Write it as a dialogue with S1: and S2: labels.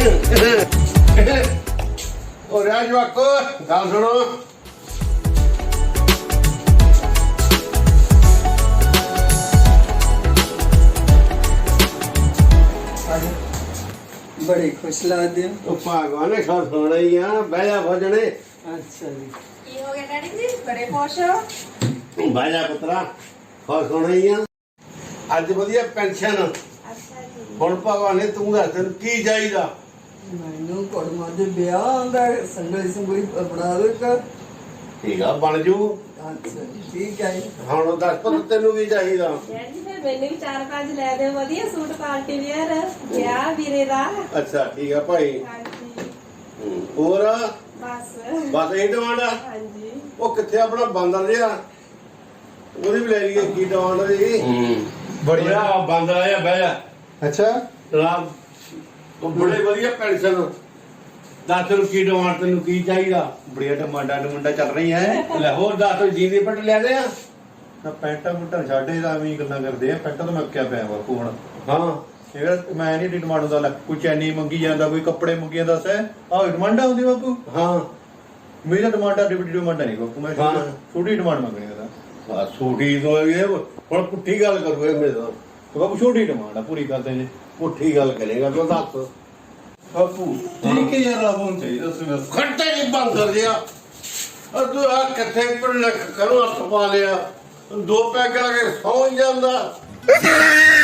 S1: और राज वाको गल सुनो
S2: बड़े खुश लगते हो।
S1: भगवान ने खुश होना ही आ बह जा भजने
S2: अच्छा जी
S3: ਕੀ ਹੋ ਗਿਆ ਡੈਡੀ ਜੀ ਬੜੇ ਖੁਸ਼ ਹੋ
S1: बह जा पुत्रा खुश होना ही आ अज वधिया पेंशन
S3: ਅੱਛਾ ਜੀ
S1: हुण भगवान ने तू दस तेन की चाहिदा
S2: मैनू कुड़मा दे ब्याह दा संगली संगली बना दो एक।
S1: ठीक आ बन जू
S2: अच्छा ठीक है जी।
S1: हुण दस पुत तेनू की चाहिदा
S3: ਡੈਡੀ ਜੀ ਫਿਰ ਮੈਨੂੰ ਵੀ 4-5 ਲੈ ਦਿਓ ਵਧੀਆ ਸੂਟ ਪਾਰਟੀ ਵੇਅਰ ਵਿਆਹ ਵੀਰੇ ਦਾ
S1: अच्छा ठीक है भाई
S3: ਹਾਂਜੀ
S1: और
S3: ਬਸ
S1: बस यही डिमांड आ
S3: ਹਾਂਜੀ
S1: ਉਹ ਕਿੱਥੇ ਆਪਣਾ ਬਾਂਦਰ ਜਿਹਾ ਉਹਦੀ ਵੀ ਲੈ ਲਈਏ ਕੀ ਡਿਮਾਂਡ ਦੀ ਬੜੀਆ ਬਾਂਦਰ ਆਇਆ ਬਹਿ ਜਾ
S4: ਅੱਛਾ
S1: ਰਾਮ ਉਹ ਬੜੇ ਵਧੀਆ ਪੈਨਸ਼ਨ ਦੱਸ ਤੈਨੂੰ ਕੀ ਡਿਮਾਂਡ ਤੈਨੂੰ ਕੀ ਚਾਹੀਦਾ
S4: ਬੜੀਆ ਟਮਾਟਾ ਚੱਲ ਰਹੀ ਹੈ
S1: ਲੈ ਹੋਰ ਦੱਸ ਤੂੰ ਜੀਨੀ ਪੱਟ ਲਿਆ ਦੇ ਆ
S4: ਨਾ ਪੈਂਟਾਂ ਪੁੱਟਾਂ ਛਾੜੇ ਦਾ ਐਵੇਂ ਹੀ ਗੱਲਾਂ ਕਰਦੇ ਆ ਪੈਂਟਾਂ ਤਾਂ ਮੈਂ ਕਿਆ ਪਿਆ ਬਾਪੂ ਹੁਣ
S1: ਹਾਂ
S4: ਇਹ ਮੈਂ ਨਹੀਂ ਡਿਮਾਂਡ ਹੁੰਦਾ ਲੈ ਕੋਈ ਚੈਨੀ ਮੰਗੀ ਜਾਂਦਾ ਕੋਈ ਕੱਪੜੇ ਮੰਗੀ ਜਾਂਦਾ ਸੈ ਆਹ ਡਿਮਾਂਡ ਆਉਂਦੀ ਬਾਪੂ
S1: ਹਾਂ
S4: ਮੇਰਾ ਡਿਮਾਂਡ ਆ ਡਿਪਟੀ ਡਿਮਾਂਡ ਨਹੀਂ ਬਾਪੂ ਮੈਂ
S1: ਹਾਂ।
S4: ਛੋਟੀ ਡਿਮਾਂਡ ਮੰਗਣੀ ਉਹਦਾ
S1: ਆ ਸੂਟੀ ਤੋਂ ਇਹ ਹੁਣ ਪੁੱਠੀ ਗੱਲ ਕਰੂਏ ਮੇਰੇ ਨਾਲ
S4: ਤੇ ਬਾਪੂ ਛੋਟੀ ਡਿਮਾਂਡ ਆ ਪੂਰੀ ਕਰਦੇ ਜੇ
S1: ਪੁੱਠੀ ਗੱਲ ਕਰੇਗਾ ਤੂੰ ਦੱਸ
S4: ਬਾਪੂ ਠੀਕ ਹੈ ਯਾਰ ਆਪ ਹੁਣ ਚਾਹੀਦਾ ਸੀ ਬਸ
S1: ਖੱਟੇ ਨਹੀਂ ਬਾਂਦਰ ਜਿਹਾ ਤੂੰ ਆ ਕਿੱਥੇ ਪਰ ਲੱਖ ਕਰੋ ਹੱਥ ਪਾ ਲਿਆ ਦੋ ਪੈਗ ਲਾ ਕੇ ਸੌਂ ਜਾਂਦਾ